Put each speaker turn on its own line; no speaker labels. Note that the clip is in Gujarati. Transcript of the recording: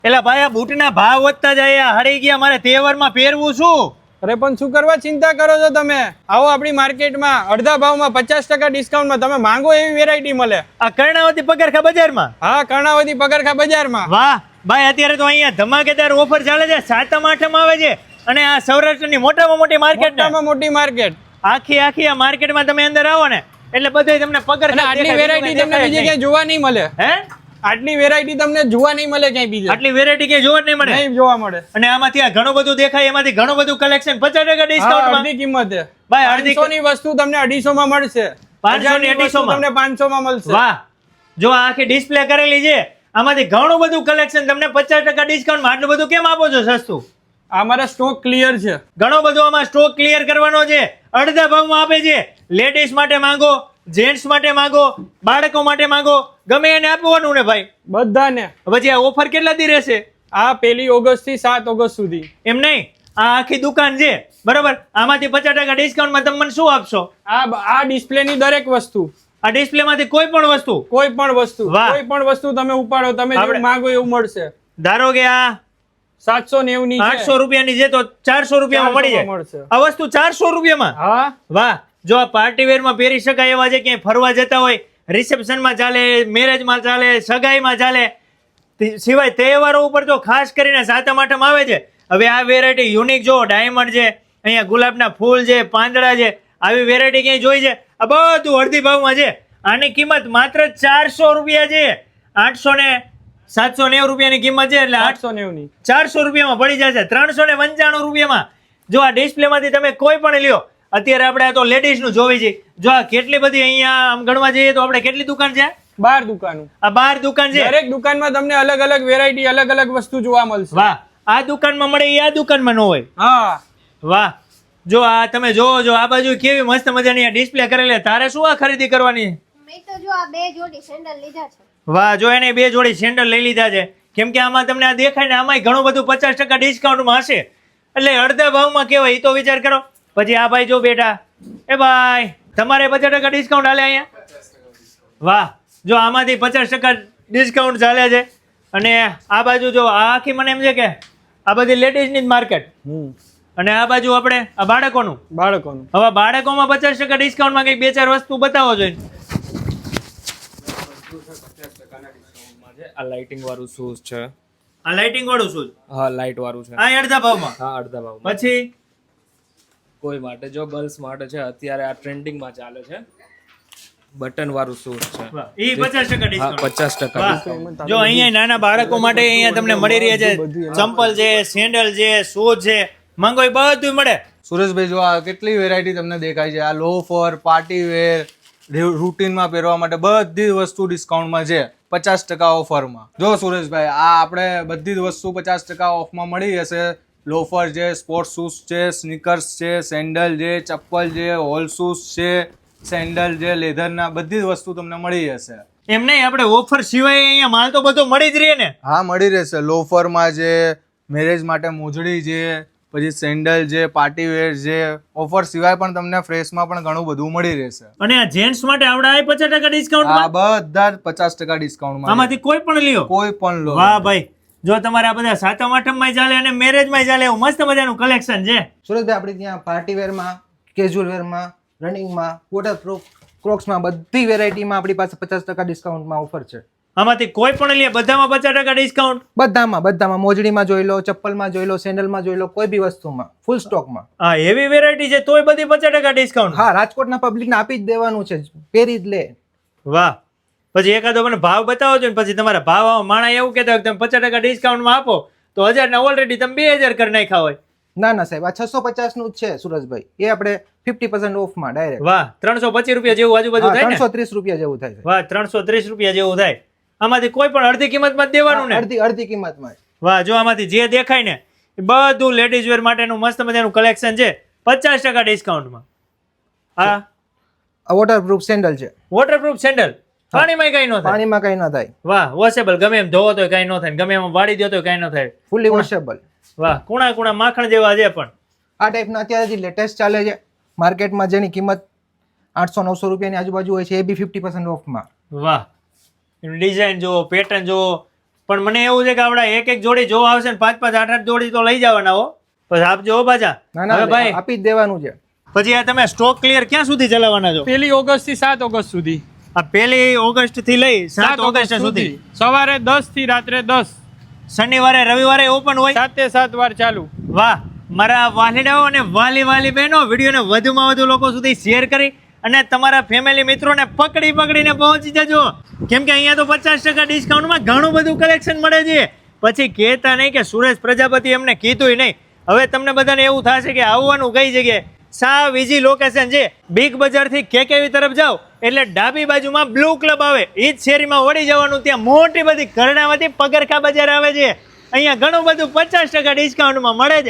એલા ભાઈ આ બૂટના ભાવ વધતા જાય, હરી ગયા, મારે તહેવારમાં પહેરવું શું?
અરે પણ શું કરવા ચિંતા કરો છો તમે? આવો આપણી માર્કેટમાં અડધા ભાવમાં 50% ડિસ્કાઉન્ટમાં તમે માંગો એવી વેરાયટી મળે.
આ કર્ણાવતી પગરખા બજારમાં?
હા, કર્ણાવતી પગરખા બજારમાં.
વાહ ભાઈ, અત્યારે તો અહીંયા ધમાકેદાર ઓફર ચાલે છે. 7મ 8મ આવે છે અને આ સૌરાષ્ટ્રની મોટામાં મોટી માર્કેટ,
મોટામાં મોટી માર્કેટ,
આખી આ માર્કેટમાં તમે અંદર આવો ને એટલે બધું તમને પગરખા
આટલી વેરાયટી તમને બીજે ક્યાંય જોવા નહીં મળે.
હે?
આટલી વેરાયટી તમને જોવા નહીં મળે ક્યાંય બીજે.
આટલી વેરાયટી ક્યાંય જોવા જ નહીં મળે.
નહીં જોવા મળે.
અને આમાંથી આ ઘણું બધું દેખાય, એમાંથી ઘણું બધું કલેક્શન 50% ડિસ્કાઉન્ટમાં.
અડધી કિંમતે
ભાઈ અડધી
500 ની વસ્તુ તમને 250 માં મળશે.
500 ની 250 માં
તમને 500 માં મળશે.
વાહ, જો આ આખી ડિસ્પ્લે કરેલી છે, આમાંથી ઘણું બધું કલેક્શન તમને 50% ડિસ્કાઉન્ટમાં. આટલું બધું કેમ આપો છો સસ્તું?
અમારા સ્ટોક ક્લિયર છે.
ઘણો બધો આમાં સ્ટોક ક્લિયર કરવાનો છે. અડધા ભાવમાં આપે છે. લેડીઝ માટે માંગો, જેન્ટ્સ માટે માંગો, બાળકો માટે માંગો, ગમે એને આપવાનું ને ભાઈ,
બધાને.
પછી આ ઓફર કેટલા દી રહેશે?
આ 1 ઓગસ્ટ થી 7 ઓગસ્ટ સુધી.
એમ નહીં, આ આખી દુકાન છે બરાબર, આમાંથી 50% ડિસ્કાઉન્ટમાં તમે મને શું આપશો?
આ ડિસ્પ્લે ની દરેક વસ્તુ,
આ ડિસ્પ્લે માંથી કોઈ પણ વસ્તુ,
કોઈ પણ વસ્તુ,
વાહ.
કોઈ પણ વસ્તુ તમે ઉપાડો, તમે જેવું માંગો એવું મળશે.
ધારો કે આ
790 ની છે,
800 રૂપિયાની છે તો 400 રૂપિયામાં મળી જાય.
મળશે.
આ વસ્તુ 400 રૂપિયામાં?
હા,
વાહ. જો આ પાર્ટી વેરમાં પહેરી શકાય એવા છે, ક્યાંય ફરવા જતા હોય, રિસેપ્શનમાં ચાલે, મેરેજમાં ચાલે, સગાઈમાં ચાલે, સિવાય તહેવારો ઉપર તો ખાસ કરીને 7મ 8મ આવે છે. હવે આ વેરાયટી યુનિક જો, ડાયમંડ છે, અહીંયા ગુલાબના ફૂલ છે, પાંદડા છે, આવી વેરાયટી ક્યાંય જોઈ છે? આ બધું અડધી ભાવમાં છે. આની કિંમત માત્ર 400 રૂપિયા છે. 800 ને 790 રૂપિયાની કિંમત છે, એટલે
890 ની
400 રૂપિયામાં પડી જશે. 395 રૂપિયામાં. જો આ ડિસ્પ્લેમાંથી તમે કોઈ પણ લ્યો. અત્યારે આપણે આ તો લેડીઝ નું જોવી છે. જો આ કેટલી બધી અહીંયા આમ ગણવા જઈએ તો આપણે કેટલી દુકાન છે?
12 દુકાનો.
આ 12 દુકાન છે.
દરેક દુકાનમાં તમને અલગ અલગ વેરાયટી, અલગ અલગ વસ્તુ જોવા મળશે.
વાહ, આ દુકાનમાં મળે એ આ દુકાનમાં ન હોય.
હા,
વાહ. જો આ તમે જોવો, જો આ બાજુ કેવી મસ્ત મજાની આ ડિસ્પ્લે કરેલી. તારે શું આ ખરીદી કરવાની?
મેં તો જો આ 2 જોડી સેન્ડલ લીધા છે.
વાહ, જો એને 2 જોડી સેન્ડલ લઈ લીધા છે. કેમ કે આમાં તમને આ દેખાય ને, આમાં ઘણું બધું 50% ડિસ્કાઉન્ટમાં હશે, એટલે અડધા ભાવમાં કહેવાય. એ તો વિચાર કરો. પછી આ ભાઈ જો બેટા, એ ભાઈ તમારે 50% ડિસ્કાઉન્ટ હાલે અહીંયા? વાહ, જો આમાંથી 50% ડિસ્કાઉન્ટ ચાલે છે. અને આ બાજુ જો, આ આખી મને એમ છે કે આ બધી લેડીઝની જ માર્કેટ, અને આ બાજુ આપણે આ બાળકોનું. હવે બાળકોમાં 50% ડિસ્કાઉન્ટમાં કંઈક 2-4 વસ્તુ બતાવો જોઈએ.
આ લાઇટિંગ વાળું શૂઝ છે.
આ લાઇટિંગ વાળું શૂઝ?
હા, લાઇટ વાળું છે.
આ અડધા ભાવમાં?
હા, અડધા ભાવમાં.
પછી
કોઈ માટે, જો ગર્લ્સ માટે છે, અત્યારે આ ટ્રેન્ડિંગમાં ચાલે છે, બટન વાળું શૂઝ છે.
ઈ 50% ડિસ્કાઉન્ટ.
50% ડિસ્કાઉન્ટ.
જો અહીંયા નાના બાળકો માટે અહીંયા તમને મળી રહ્યા છે. ચંપલ છે, સેન્ડલ છે, શૂઝ છે, માંગો એ બધું મળે.
સુરેશભાઈ જો આ કેટલી વેરાયટી તમને દેખાય છે. આ લોફર, પાર્ટી વેર, રૂટીનમાં પહેરવા માટે બધી વસ્તુ ડિસ્કાઉન્ટમાં છે, 50% ઓફરમાં. જો સુરેશભાઈ, આ આપણે બધી જ વસ્તુ 50% ઓફમાં મળી જશે. લોફર છે, સ્પોર્ટ્સ શૂઝ છે, સ્નીકર્સ છે, સેન્ડલ છે, ચપ્પલ છે, હોલ શૂઝ છે, સેન્ડલ છે, લેધરના, બધી જ વસ્તુ તમને મળી જશે.
એમ નહીં, આપણે ઓફર સિવાય અહીંયા માલ તો બધો મળી જ રહે ને?
હા, મળી રહેશે. લોફરમાં છે, મેરેજ માટે મોજડી છે, પછી સેન્ડલ છે, પાર્ટી વેર છે. ઓફર સિવાય પણ તમને ફ્રેશમાં પણ ઘણું બધું મળી રહેશે.
અને આ જેન્ટ્સ માટે આવડા 50% ડિસ્કાઉન્ટ?
આ બધા જ 50% ડિસ્કાઉન્ટમાં.
આમાંથી કોઈ પણ લ્યો,
કોઈ પણ લો.
વાહ ભાઈ. જો તમારે આ બધા 7મ 8મમાં ચાલે અને મેરેજમાં ચાલે એવું મસ્ત મજાનું કલેક્શન છે.
સુરતભાઈ આપણે ત્યાં પાર્ટી વેરમાં, કેઝ્યુઅલ વેરમાં, રનિંગમાં, વોટરપ્રૂફ, ક્રોક્સમાં બધી વેરાયટીમાં આપણી પાસે 50% ડિસ્કાઉન્ટમાં ઓફર છે.
આમાંથી કોઈ પણ લે, બધામાં 50% ડિસ્કાઉન્ટ?
બધામાં મોજડીમાં જોઈ લો, ચપ્પલમાં જોઈ લો, સેન્ડલમાં જોઈ લો, કોઈ બી વસ્તુમાં ફૂલ સ્ટોકમાં.
હા, એવી વેરાયટી છે તોય બધી 50% ડિસ્કાઉન્ટ?
હા, રાજકોટના પબ્લિકને આપી જ દેવાનું છે, પહેરી જ લે.
વાહ. પછી એકાદો મને ભાવ બતાવો છો ને, પછી તમારા ભાવ માણા એવું કહેતા હોય કે તમે 50% ડિસ્કાઉન્ટમાં આપો તો 1000 ના ઓલરેડી તમે 2000 કરી નાખ્યા હોય.
ના સાહેબ, આ 650 નું જ છે સુરજભાઈ. એ આપણે 50% ઓફમાં ડાયરેક્ટ.
વાહ, 325 રૂપિયા જેવું આજુબાજુ થાય ને?
330 રૂપિયા જેવું થાય છે.
વાહ, 330 રૂપિયા જેવું થાય. આમાંથી કોઈ પણ અડધી કિંમતમાં જ દેવાનું ને?
અડધી કિંમતમાં.
વાહ, જો આમાંથી જે દેખાય ને એ બધું લેડીઝ વેર માટેનું મસ્ત મજાનું કલેક્શન છે 50% ડિસ્કાઉન્ટમાં. હા,
વોટરપ્રૂફ સેન્ડલ છે.
વોટરપ્રૂફ સેન્ડલ, પાણીમાં કઈ ન થાય?
પાણીમાં કઈ ન થાય.
વાહ, વોશેબલ, ગમે એમ ધોવો તો કઈ ન થાય, ગમે એમ વાળી દો તો કઈ ન થાય.
ફૂલી વોશેબલ.
વાહ, કુણા માખણ જેવા છે. પણ
આ ટાઈપના અત્યારે જે લેટેસ્ટ ચાલે છે માર્કેટમાં, જેની કિંમત 800-900 રૂપિયાની આજુબાજુ હોય છે, એ બી 50% ઓફમાં.
વાહ, ડિઝાઇન જુઓ, પેટર્ન જુઓ, પણ મને એવું છે કે આપડા એક જોડી જોવા આવશે ને 5-5, 8-8 જોડી તો લઈ જવાના હો. પછી આપજો હો પાછા.
ના
હવે
ના
ભાઈ
આપી જ દેવાનું છે.
પછી આ તમે સ્ટોક ક્લિયર ક્યાં સુધી ચલાવવાના છો?
1 ઓગસ્ટ થી 7 ઓગસ્ટ સુધી.
આ 1 ઓગસ્ટ થી લઈ 7 ઓગસ્ટ સુધી.
સવારે 10 થી રાત્રે 10.
શનિવારે રવિવારે ઓપન હોય.
7 વાર ચાલુ.
વાહ, મારા વાલીડાઓ અને વાલી બહેનો, વિડીયોને વધુમાં વધુ લોકો સુધી શેર કરી અને તમારા ફેમિલી મિત્રોને પકડીને પહોંચી જજો. કેમ કે અહીંયા તો 50% ડિસ્કાઉન્ટમાં ઘણું બધું કલેક્શન મળે છે. પછી કહેતા નહીં કે સુરેશ પ્રજાપતિ એમને કીધું નહીં. હવે તમને બધાને એવું થશે કે આવવાનું કઈ જગ્યાએ? સાવ ઈઝી લોકેશન છે. બિગ બજારથી કેકેવી તરફ જાઓ એટલે ડાબી બાજુમાં બ્લુ ક્લબ આવે, એ જ શેરીમાં વળી જવાનું. ત્યાં મોટી બધી ઘરડામાંથી પગરખા બજાર આવે છે. અહીંયા ઘણું બધું 50% ડિસ્કાઉન્ટમાં મળે છે.